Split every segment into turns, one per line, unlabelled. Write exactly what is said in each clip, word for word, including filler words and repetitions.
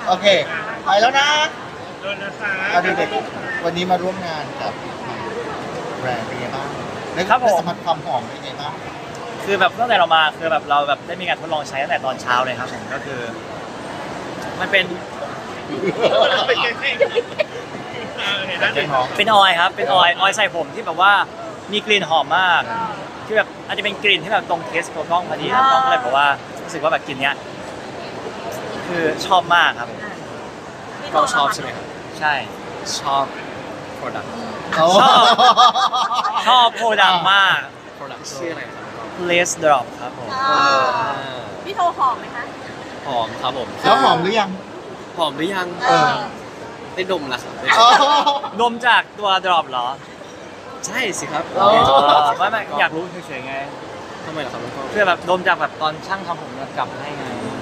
โอเคไปแล้วนะ
โดนนะคะ
เอาเด็กๆวันนี้มาร่วมงานกับแบรนด์เป็นไงบ้างได้
ครับผม
สัมผัสความหอมเป็นไงบ้าง
คือแบบตั้งแต่เรามาคือแบบเราแบบได้มีการทดลองใช้ตั้งแต่ตอนเช้าเลยครับผมก็คือ มันเป็น
เป็นไงเออเห็นแล้ว
เป็นหอม
เป็นออยล์ครับเป็นออยล์ออยล์ใส่ผมที่แบบว่ามีกลิ่นหอมมากที่แบบอาจจะเป็นกลิ่นที่แบบตรงเทสตัวกล้องพอดีครับกล้องก็เลยบอกว่ารู้สึกว่าแบบกลิ่นเนี้ยคือชอบมากครับ
ก็ชอบใช่ไหมครับ
ใช่
ชอบ product
โอ้
ชอบ ชอบโปรดักต์มาก
product ชื่ออะไรครับ
Lace Drop ครับผม
อ่าพี่โทรหอมไหมคะ
หอมครับผม
แล้วหอมหรือยัง
หอมหรือยัง
เออ
ได้ดมแล้วครับได้
อ๋อ
ดมจากตัว Drop เหรอ
ใช่สิครับ
อ๋อ
ไม่ไม่อยากรู้เฉยๆไง
ทำไมล่ะครับน้องกล้อง
เพื่อแบบดมจากแบบตอนช่างทำผมกลับให้ไง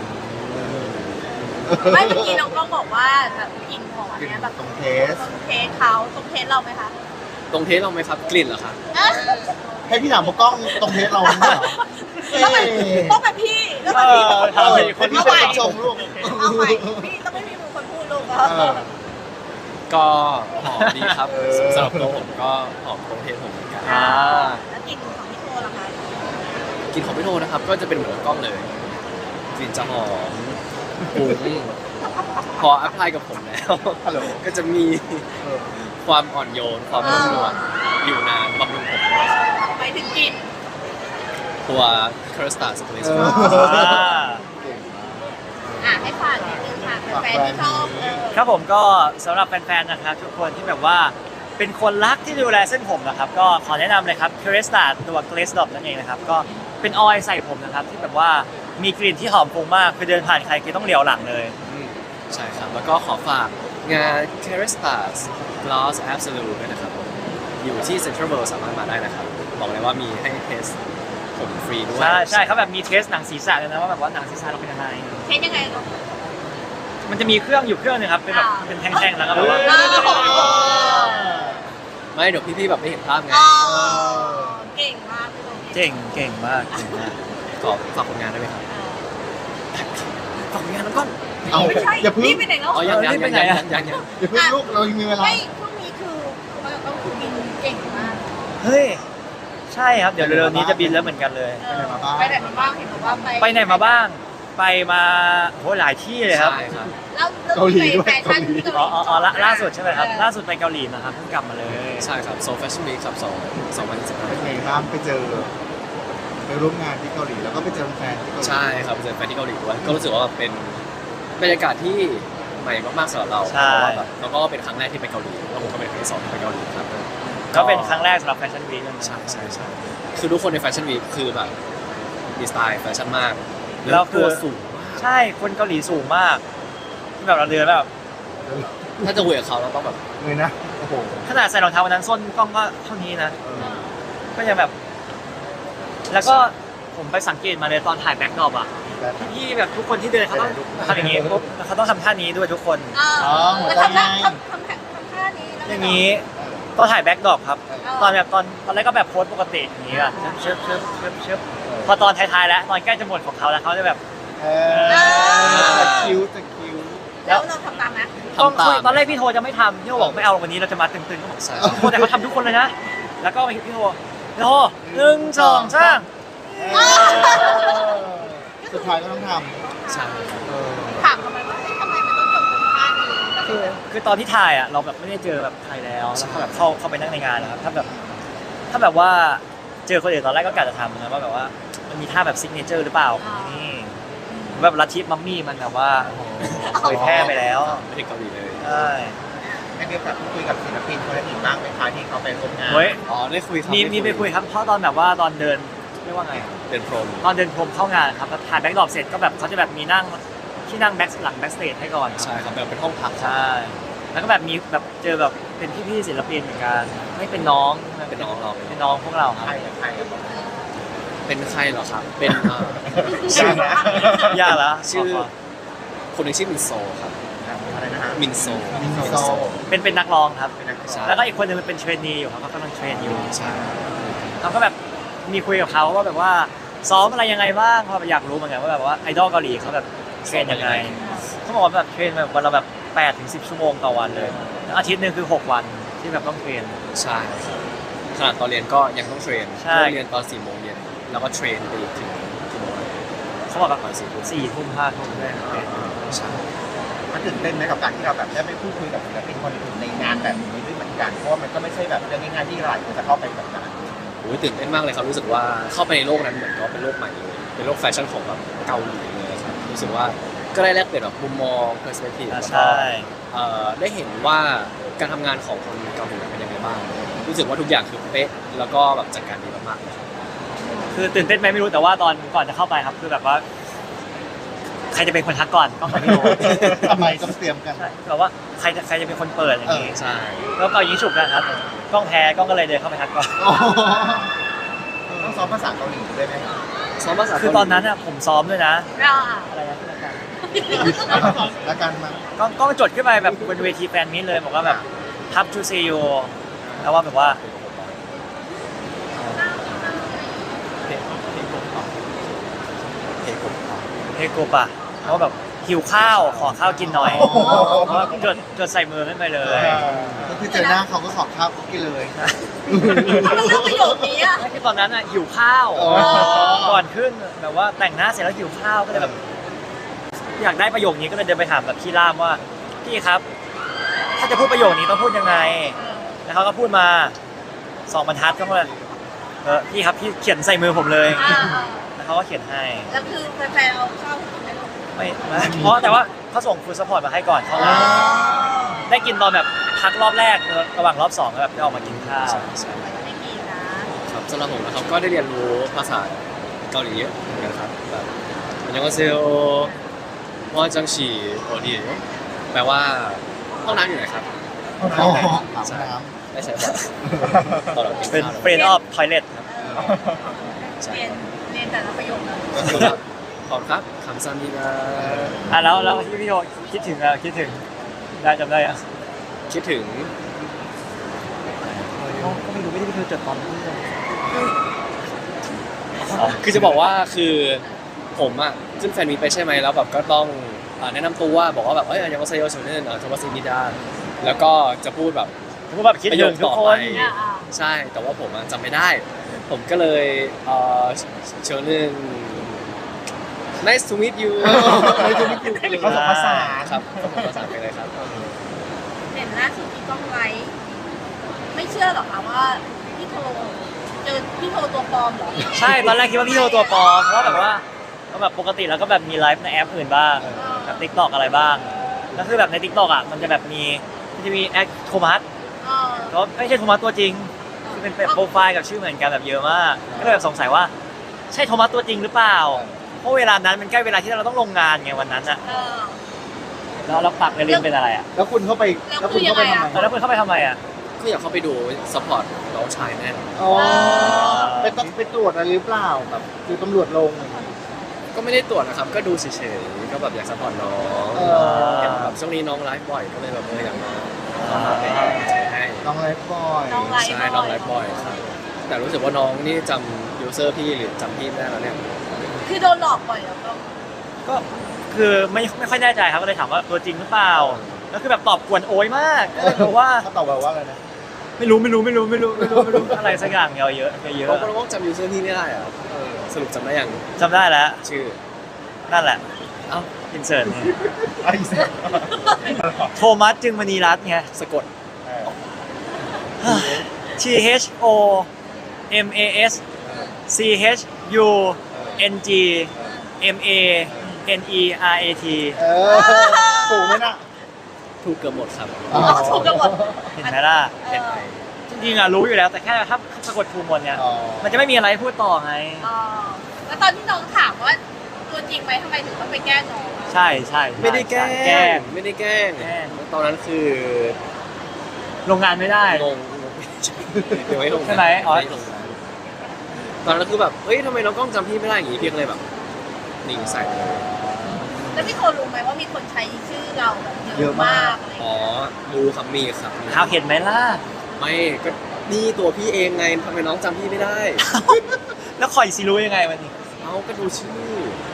ไม่เมื่อกี้น้องกล้องบอกว่าแบบกลิ่นหอม
กลิ่น
เนี้ยแบบ
ตรงเทส
ตรงเทสเขาตรงเทสเราไหมคะ
ตรงเทสเราไหมครับกลิ่นเหรอครับ
ให้พี่ถามพวกกล้องตรงเทสเราไหมเหรอ
ต้องเป็นต้องเป็นพี่ต้องเป็นพี่ต้องเป็น
เออ
พี่
คนที่
เอาใหม่
ชมลูก
เอาใหม่พี่ต้องไม่มีมือคนพูดลูก
เออ
ก็หอมดีครับ
เออ
สำหรับตัวผมก็หอมตรงเทสผมเหมือนกัน
อ่า
แล้วกลิ่นของพี่โทล่ะคะ
กลิ่นของพี่โทนะครับก็จะเป็นเหมือนน้องกล้องเลยกลิ่นจะหอมปุ้งพออัพพลายกับผมแล้ว
ฮัลโหล
ก็จะมีความอ่อนโยนความนุ่มนวลอยู่นานบำรุงผมด้วยครับ
ไปถึงกลิ่น
ตัว c u r s t a r Space
เออ
อ่า
อ่ะให้ฝากนิดนึงค่ะแฟนๆที่ชอบเออ
ครับผมก็สำหรับแฟนๆนะครับทุกคนที่แบบว่าเป็นคนรักที่ดูแลเส้นผมนะครับก็ขอแนะนำเลยครับ c u r e s t a ตัว Glaze Drop นั่นเองนะครับก็เป็นออยล์ใส่ผมนะครับที่แบบว่ามีกลิ่นที่หอมฟุ้งมากคือเดินผ่านใครคือต้องเหลียวหลังเลย
อืมใช่ครับ แล้วก็ขอฝากงาน c u r s t a r Gloss Absolute ด้วยนะครับผมอยู่ที่ Central World สามารถมาได้นะครับ บอกเลยว่ามีให้เทสผมฟรีด้วย
ใช่ใช่เขาแบบมีเทสหนังศีรษะเลยนะว่าแบบว่าหนังศีรษะเราเป็นยังไง
เทสยังไงลูก
มันจะมีเครื่องอยู่เครื่องหนึงครับเป็นแบบ
อ่า
เป็นแท่งๆแล้วก็แบบว่า
อ้าว
ไม่เดี๋ยวพี่ๆแบบไม่เห็นภาพไง
อ๋อเก่งมากพี่โท
เก่งเก่งมากเก่งมาก
ขอฝากผลงานได้ไหมครับฝากผลงานแล้วก็
เอา
ไม่ใช่
อย่าเพึ่ง
นี่ไปไหนแล้ว
อ๋อยังยังยังยังยังยัง
อย่าเพึ่งลูกเรายังมีเวลา
ไม่ช่วงนี้คือเราต้องคือบินเก่งมาก
เฮ้ยใช่ครับเดี๋ยวเร็วๆนี้จะบินแล้วเหมือนกันเลย
เออไปไหนมาบ้างเห็นบอกว่าไป
ไปไหนมาบ้าง ไปมาโหหลายที่เลยครับ
ใช่ครับ
แล้วแล้ว
เกาหลีด้วย
ไปแฟชั่น
เกาหลี
ที่
อ๋ออ๋ออ๋อล่าล่าสุดใช่ไหมครับ
เออ
ล่าสุดไปเกาหลีมาครับเพิ่งกลับมาเลย
ใช่ครับโซ Fashion Week ครับสองสองพันสิบห้า
เป็นไงบ้างไปเจอไปร่วมงานที่เกาหลีแล้วก็ไปเจอแฟนที่เกาหลี
ใช่ครับเจอแฟนที่เกาหลีด้วยก็รู้สึกว่าแบบเป็นบรรยากาศที่ใหม่มากๆสำหรับเราเพ
ใช่
ราะว่าแบบแล้วก็เป็นครั้งแรกที่ไปเกาหลีแล้วผมก็เป็นครั้งที่สองที่ไปเกาหลีครับ
ก็เป็นครั้งแรกสำหรับแฟชั่นวีคเลยนะ
ใช่ใช่ใช่คือทุกคนในแฟชั่นวีคคือแบบมีสไตล์แฟชั่นมาก
แล้วคื
ตั
อ
วสูงมาก
ใช่คนเกาหลีสูงมากที่แบบเราเดินแบบ
ถ้าจะคุยกับเขาเราต้องแบบ
เลยนะโอ้โห
ขนาดใส่รองเท้าวันนั้นส้นกล้องก็เท่านี้นะ
เออ
ก็ยังแบบ แล้วก็ผมไปสังเกตมาเลยตอนถ่ายแบ็คดรอปอ่ะ
แบบ
พี่แบบทุกคนที่เดินเขาต้องทำอย่างนี้ปุ๊บแล้วเขาต้องทำท่านี้ด้วยทุกคน
อ๋
อ๋
อ
อหัว
แล้ว
ใจ
ทำ
ไง
ท่าทำทำทำท่านี้แล้ว
อย่างนี้ตอนถ่ายแบ็คดรอปครับ
เออ
ตอนแบบตอนตอนแรกก็แบบโพสปกติอย่างนี้แบบเชิบเชิบเชิบเชิบพอตอนท้ายๆแล้วตอนใกล้จะหมดของเขาแล้วเขาจะแบบ
เออจะคิ้วจะคิ้ว
แล้วเราทำตามไหม
ต้อง
ทำตาม
คุยตอนแรกพี่โทจะไม่ทำพี่โทบอกไม่เอาวันนี้เราจะมาตึงๆก็บอก
ใช่
พี่โทแต่เขาทำทุกคนเลยนะ แล้วก็พี่โทพี่โทหนึ่งสองสาม
เออสุดท้ายก็ต้องท
ใช่
ำเออ
ถามทำไมว่าเอ๊ะทำไมมันต้องจบกับท่านี้
คือคือตอนที่ถ่ายอ่ะเราแบบไม่ได้เจอแบบใครแล้วแล้วก็แบบเข้าเข้าไปนั่งในงานนะครับถ้าแบบถ้าแบบว่าเจอคนอื่นตอนแรกก็กะจะทำนะว่าแบบว่ามันมีท่าแบบซิกเนเจอร์หรือเปล่านี่แบบลัทธิมัมมี่มันแบบว่าเผยแพร่ไปแล้ว
ไม่ถึงเกาหลีเลย
ใช่
ได้มีโอกาสพูดคุยกับศิลปินคนอื่นบ้างไหมคะที่เขาไปร่วมงาน
เฮ้ย
อ๋อได้คุยครับ
มี
ด้
มีไปคุยครับเพราะตอนแบบว่าตอนเดินเรียกว่าไง
เดินพรม
ตอนเดินพรมเข้างานครับแล้วถ่ายแบ็คดรอปเสร็จก็แบบเขาจะแบบมีนั่งที่นั่งแบ็คหลังแบ็คสเตจให้ก่อนครับ
ใช่ครับแบบเป็นห้องพัก
ใช่ แล้วก็แบบมีแบบเจอแบบเป็นพี่ๆศิลปินเหมือนกันไม่เป็นน้อง
เป็นน้องเรา
เป็นน้องพวกเราค
ใคร
รับ
กับใครกับ
เป็นใครเหรอครับ เป็นเอ่อ
ชื่อ
ยากแล้ว
ชื่อ คนหนึงชื่อมินโซครับ
อะไรนะฮะ
มินโซ
มินโซ
เป็นเป็นนักร้องครับ
เป็นนักร้อง
ใช่
แล้วก็อีกคนหนึงเป็นเทรนนีอยู่ครับเขากำลังเทรนอยู่
ใช่
เราก็แบบมีคุยกับเขาว่าแบบว่าซ้อมอะไรยังไงบ้างเพราะแบบอยากรู้เหมือนกันว่าแบบว่าไอดอลเกาหลีเขาแบบเทรนยังไงเขาบอกว่าแบบเทรนแบบวันละแบบแปดถึงสิบชั่วโมงต่อวันเลยอาทิตย์หนึงคือหกวันที่แบบต้องเทรน
ใช่ครับขนาดตอนเรียนก็ยังต้องเทรน
ใช่
เลิกเรียนตอนสี่โมงเย็นแล้วก็เทรนไปอีกถึงกี่โมง
เขาบอกแบบ
ตอนสี่ทุ่ม
สี่ทุ่มห้าทุ่มได้เทรน
ใช่
มันตื่นเต้นไหมกับการที่เราแบบได้ไม่พูดคุยกับศิลปินคนอื่นในงานแบบนี้ด้วยเหมือนกันเพราะว่ามันก็ไม่ใช่แบบเรื่องง่ายๆที่หลายคนจะเข้าไปแบบนั้น
โอ้ยตื่นเต้นมากเลยครับรู้สึกว่าเข้าไปในโลกนั้นเหมือนก็เป็นโลกใหม่เลยเป็นโลกแฟชั่นของแบบเกาหลีเลยครับรู้สึกว่าก็ได้แลกเปลี่ยนแบบมุมมอง perspective แล้วก็
ใช่
เอ่อได้เห็นว่าการทำงานของคนเกาหลีเป็นยังไงบ้างรู้สึกว่าทุกอย่างคือเป๊ะแล้วก็แบบจัดการดีมากๆเลยครับ
คือตื่นเต้นไหมไม่รู้แต่ว่าตอนก่อนจะเข้าไปครับคือแบบว่า ใครจะเป็นคนทักก่อนก็ไม่รู้
ทำไมต้องเตรียมกัน
ใช่แบบว่าใครจะใครจะเป็นคนเปิดอย่างนี้
ใช่
แล้วก็ยิงฉุบนะครับกล้องแพ้กล้องก็เลยเดินเข้าไปทักก่อน
ต้องซ้อมภาษาเกาหลีด้วยไหม
ซ้อมภาษา
คือตอนนั้นอะผมซ้อมด้วยนะ
เรา
อะไรนะที่รายการ
แล้วกันมา
กล้องกล้องจดขึ้นไปแบบบนเวทีแฟนมิตเลยบอกว่าแบบทับจูซีโยแล้วว่าแบบว่า
เพลงเพลงผมต่อเพลงผมต่อ
เฮโกปะเขาแบบหิวข้าวขอข้าวกินหน่อยเพราะว่าจดจดใส่มือขึ้นไปเลย
ก็คือเจอหน้าเขาก็ขอข้าวกินเลย
ทำไมเลือกประโยคนี้อ่ะ
คือตอนนั้นอะหิวข้าว
อ๋อ
ก่อนขึ้นแบบว่าแต่งหน้าเสร็จแล้วหิวข้าวก็เลยแบบ อยากได้ประโยคนี้ก็เลยเดินไปถามแบบพี่ล่ามว่าพี่ครับ ถ้าจะพูดประโยคนี้ต้องพูดยังไง แล้วเขาก็พูดมาสองบรรทัดก็เลยเออพี่ครับพี่เขียนใส่มือผมเลย
อ่า
แล้วเขาก็เขียนให้
แล้วคือแฟนๆเอาข้าวกินไหมลูก
ไม่ไม่เพราะแต่ว่าเขาส่งฟูดซัพพอร์ตมาให้ก่อนเขาเลยได้กินตอนแบบพักรอบแรกระหว่างรอบสองแล้วแบบได้ออกมากินข้าว
ใช่ใช่
ไม่มีนะครับ
สำหรับผมนะครับก็ได้เรียนรู้ภาษาเกาหลีเยอะเหมือนกันครับแบบอันยองเซลว่าจังฉีโอดีแปลว่าห้องน้ำอยู่ไหนครับ
อ๋ออาบน้
ไม่ใช่ป่ะตอนเรากิน
เป็น
ข้าว
เฟรนออฟทอยเลทครับ
เรียนเรียนแต่ละประโยคนะ
ก็คือแบบขอบครับคำซัมดีนะ
อ่ะแล้วแล้วที่พี่โยคิดถึงอะคิดถึงได้จำได้อะ
คิดถึง
ก็ไม่รู้ไม่ได้พี่โยจดตอนนี้เลย
คือจะบอกว่าคือผมอ่ะขึ้นแฟนมีตไปใช่ไหมแล้วแบบก็ต้องอ่าแนะนำตัวบอกว่าแบบเอ้ยอันยองเซโยชเนนอ่าโทมัสซิมิดาแล้วก็จะพูดแบบ
ผมก็แบบคิดถึงทุกคน
อ่าอ่า
ใช่ แต่ว่าผมอะจำไม่ได้ ผมก็เลยเอ่อเชิญหนึ่ง nice to meet you
ไม่จะไม่กินผสมผสาน
ครับผสมผสานไปเลยครับ
เห็นล่าสุดที่กล้องไลฟ์ไม่เชื่อหรอกค่ะว่าพี่โทเจอพี่โทตัวปลอมเหรอ
ใช่ตอนแรกคิดว่าพี่โยตัวปลอมเพราะว่าแบบว่าก็แบบปกติแล้วก็แบบมีไลฟ์ในแอปอื่นบ้างแบบทิกตอกอะไรบ้างแล้วคือแบบในทิกตอกอ่ะมันจะแบบมีมันจะมีแอคโทมัส
เออ
แต่ว่าไม่ใช่โทมัสตัวจริงคือเป็นโปรไฟล์กับชื่อเหมือนกันแบบเยอะมากก็เลยแบบสงสัยว่าใช่โทมัสตัวจริงหรือเปล่าเพราะเวลานั้นมันใกล้เวลาที่เราต้องลงงานไงวันนั้นอ่ะ
เออ
แล้วเราปักในลินเป็นอะไรอ่ะ
แล้วคุณเข้าไปแล้วคุณเข้าไปทำไม
แล้วคุณเข้าไปทำไมอ่ะ
ก็อยากเข้าไปดูซัพพอร์ตน้องชายแน่น
อ๋อไปต้องไปตรวจอะไรหรือเปล่าแบบคือตำรวจลง
ก็ไม่ได้ตรวจนะครับ ก็ดูเฉยๆ ก็แบบอยากซัพพอร์ตน้อง
เออ
เห็นแบบช่วงนี้น้องไลฟ์บ่อย ก็เลยแบบเอออยากมาเป็นกำลังใจให้
น้องไลฟ์บอย
น้องไลฟ์
ใช่น้องไลฟ์บ่อยครับ แต่รู้สึกว่าน้องนี่จำยูเซอร์พี่หรือจำพี่ไม่ได้แล้วเนี่ย
คือโดนหลอกบ่อยเหรอก็
ก็คือไม่ไม่ค่อยแน่ใจครับก็เลยถามว่าตัวจริงหรือเปล่าแล้วคือแบบตอบกวนโอยมากก็เลยบอกว่า
เขาตอบแบบว่าอะไรนะ
ไม่รู้ไม่รู้ไม่รู้ไม่รู้ไม่รู้ไม่รู้อะไรสักอย่างเยอะเยอะเยอะ
เพราะน้องจำยูเซอร์พี่ไม่ได้อะสรุปจำได้ยัง
จำได้แล้ว
ชื่อ
นั่นแหละ
เอ้า
อินเสิร์ตเนี่ย
ไอ้เสีย
โทมัสจึงมณีรัตน์ไง
สะกด
T H O M A S C H U N G M A N E R A T
เออถูกไหมน่ะ
ถูกเกือบหมดครับ
อ๋อ
ถูกกันหมด
เห็นไหมล่ะ
เออ
จริงๆอะรู้อยู่แล้วแต่แค่ถ้าสะกดถูกหมดเนี่ย
อ๋อ
มันจะไม่มีอะไรให้พูดต่อไง
อ๋อแล้วตอนที่น้องถามว่าตัวจริงไหมทำไมถึงต้องไปแกล้งน้องอะ
ใช่ใช่
ไม่ได้แกล้
แกล้
ง
ง
ไม่ได้แกล้ง
แกล้ง
ตอนนั้นคือ
ลงงานไม่ได้
งงงงเดี๋ยวไม่ลง
ใช่ไหมอ๋อ
ไม่ลงนะตอนนั้นคือแบบเฮ้ยทำไมน้องกล้องจำพี่ไม่ได้อย่างงี้พี่ก็เลยแบบนิ่งใส่เลย
แล้วพี่โทรู้ไหมว่ามีคนใช้ชื่อเราแบบเยอะมากอะไรอย่าง
อ๋อ
เงี้ย
ดูครับมีครับมี
ข่าวเห็นไหมล่ะ
ไม่ก็นี่ตัวพี่เองไงทำไมน้องจำพี่ไม่ได้
แล้วคอยซีรู้ยังไงวันนี้
เอาก็ดูชื่อ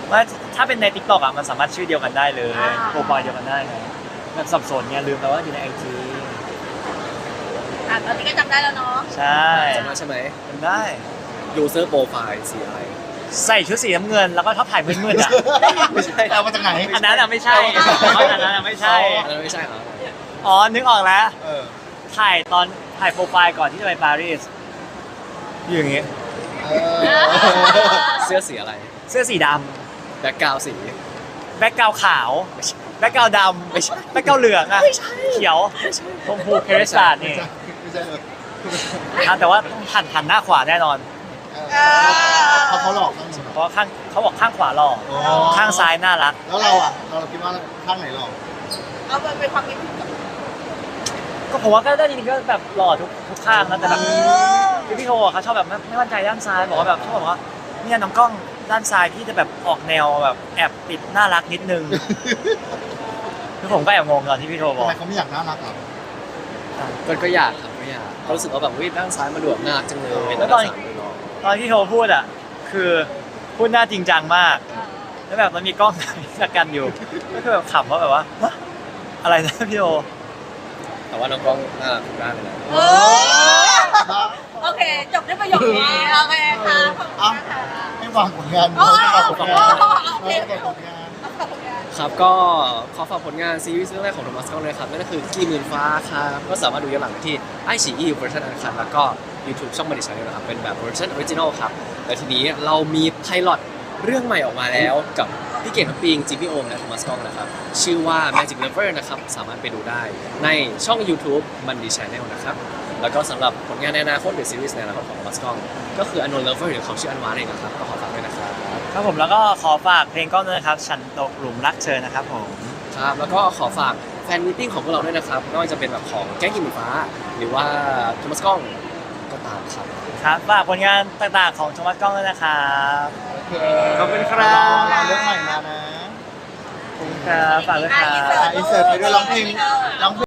ว่าถ้าเป็นใน TikTok อ่ะมันสามารถชื่อเดียวกันได้เลยโปรไฟล์เดียวกันได้ไงแบบสับสนไงลืมไปว่าอยู่ในไอจี
อ่ะตอนนี้ก็จำได้แล้วเนาะ
ใช่
จำได้ใช่ไหม
จำได้
user profile สีอะไร
ใส่ชุดสีน้ำเงินแล้วก็ชอบถ่ายมืดๆอ่ะ
ไม่ใช่
เอามาจากไหน
อันนั้นอ่ะไม่ใช่อันนั้นอ่ะไม่ใช่
อันนั้นไม่ใช่เหรอ
อ๋อนึกออกแล้ว
เออ
ถ่ายตอนถ่ายโปรไฟล์ก่อนที่จะไปปารีสอยู่อย่างงี้
เออ
เสื้อสีอะไร
เสื้อสีด
แบ็คกราวด์สี
ำแบ็กกราวขาวแบ็กกราวดำไม่ใช่แบ็กกราวเหลืองอ่ะเขียวชมพูเครสตาร์นี่
ไม่ใช่เลย
อ่ะแต่ว่าต้องหันหันหน้าขวาแน่นอน
เออเขาเขาหลอกบ้างไหม
เพราะว่าข้างเขาบอกข้างขวาหล่อ
อ๋อ
ข้างซ้ายน่ารัก
แล้วเราอ่ะ เราคิดว่าข้างไหนหลอก
เอาไปเป็นความคิดเห็นกับ
ก็ผมว่าก็ได้จริงๆก็แบบหล่อทุกทุกข้างนะแต่แบบคือพี่โทอ่ะเขาชอบแบบไม่ไม่มั่นใจด้านซ้ายบอกว่าแบบชอบบอกว่าเนี่ยน้องกล้องด้านซ้ายพี่จะแบบออกแนวแบบแอบปิดน่ารักนิดนึงคือผมก็แอบงงตอนที่พี่โทบ
ทำ
อก
ไมเขาไม่อยากน่ารักหรอ
ก็ก็อยากครับก็อยากก็รู้สึกว่าแบบวิด้านซ้ายมันดูแบบน่ารักจังเลย
แล้วตอนตอนที่โทพูดอ่ะคือพูดหน้าจริงจังมาก แล้วแบบมันมีกล้องสกันอยู่ก็คือแบบขำว่าแบบว่าฮะอะไรนะพี่โท
แต่ว่าน้องกล้องน่ารักทุกด้านเลยนะ
เออโอเค จบด้วยประโยคนี้โอเคค่ะขอบคุณค่ะ
ไม่วางผลงาน
โอ้
ไม่วางผลงาน
โอ้โอเค
ไม่วางผลงาน
ขอบคุณค่ะ
ครับก็ขอฝากผลงานซีรีส์เรื่องแรกของโทมัสกล้องเลยครับนั่นก็คือกี่หมื่นฟ้าครับก็สามารถดูย้อนหลังได้ที่ไอชีอีเวอร์ชันอันคันแล้วก็ YouTube ช่องบันดิชันนะครับเป็นแบบเวอร์ชันออริจินอลครับแต่ทีนี้เรามีไพลอตเรื่องใหม่ออกมาแล้วกับพี่เก่งทัพปิงจิมมี่โอมและโทมัสกล้องนะครับชื่อว่า Magic Lover นะครับสามารถไปดูได้ในช่อง YouTube บันดิชันนะครับแล้วก็สำหรับผลงานในอนาคตหรือซีรีส์ในอนาคตของโทมัสกล้องก็คือ Unknown Lover หรือเขาชื่ออันวาเองนะครับก็ขอฝากด้วยนะครับ
ครับผมแล้วก็ขอฝากเพลงกล้องด้วยนะครับฉันตกหลุมรักเธอนะครับผม
ครับแล้วก็ขอฝากแฟนมิทติ้งของพวกเราด้วยนะครับไม่ว่าจะเป็นแบบของแก๊งกิมหมูฟ้า หรือว่าโทมัสกล้องก็ตามครับ
ครับฝากผลงานต่างๆของโทมัสกล้องด้วยนะครับ
โอเค
ขอบคุณครับ
รอเรื่องใหม่มานะ
ขอบคุณครับฝากด้วยค
อ่ะ
รับ
อินเสิร์ต
อินเสิร์ตไปด้วยร้องเพลงร้องเพลง